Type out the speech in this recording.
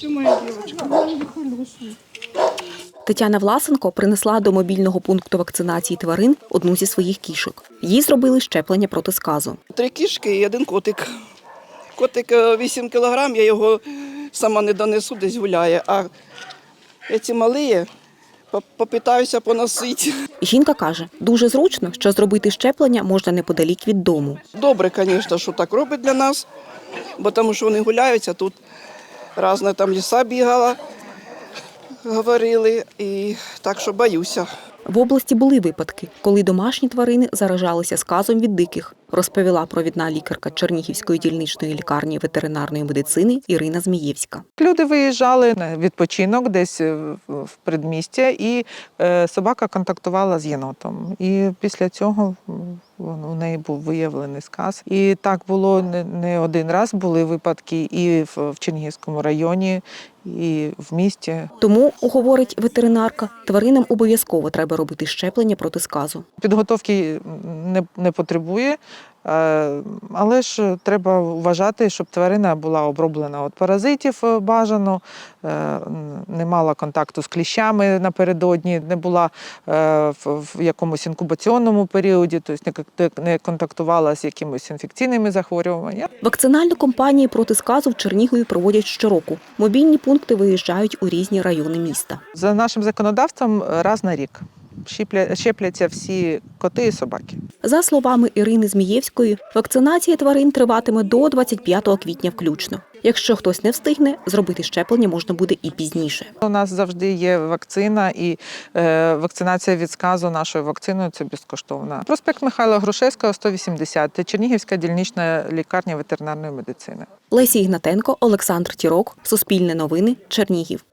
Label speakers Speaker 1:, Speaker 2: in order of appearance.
Speaker 1: Це моя дівчинка.
Speaker 2: Тетяна Власенко принесла до мобільного пункту вакцинації тварин одну зі своїх кішок. Їй зробили щеплення проти сказу.
Speaker 1: 3 кішки і 1 котик. Котик 8 кілограм, я його сама не донесу, десь гуляє. А ці малі попитаюся поносити.
Speaker 2: Жінка каже, дуже зручно, що зробити щеплення можна неподалік від дому.
Speaker 1: Добре, звісно, що так робить для нас, бо тому що вони гуляються, тут різна там ліса бігала, говорили, і так що боюся.
Speaker 2: В області були випадки, коли домашні тварини заражалися сказом від диких, розповіла провідна лікарка Чернігівської дільничної лікарні ветеринарної медицини Ірина Змієвська.
Speaker 3: Люди виїжджали на відпочинок десь в передмістя, і собака контактувала з єнотом. І після цього у неї був виявлений сказ. І так було не один раз, були випадки і в Чернігівському районі, і в місті.
Speaker 2: Тому, говорить ветеринарка, тваринам обов'язково треба робити щеплення проти сказу.
Speaker 3: Підготовки не потребує, але ж треба вважати, щоб тварина була оброблена від паразитів бажано, не мала контакту з кліщами напередодні, не була в якомусь інкубаційному періоді, тобто не контактувала з якимись інфекційними захворюваннями.
Speaker 2: Вакцинальну кампанію проти сказу в Чернігові проводять щороку. Мобільні пункти виїжджають у різні райони міста.
Speaker 3: За нашим законодавством раз на рік щепляться всі коти і собаки.
Speaker 2: За словами Ірини Змієвської, вакцинація тварин триватиме до 25 квітня включно. Якщо хтось не встигне, зробити щеплення можна буде і пізніше.
Speaker 3: У нас завжди є вакцина, і вакцинація від сказу нашою вакциною – це безкоштовна. Проспект Михайла Грушевського, 180, Чернігівська дільнична лікарня ветеринарної медицини.
Speaker 2: Леся Ігнатенко, Олександр Тірок, Суспільне новини, Чернігів.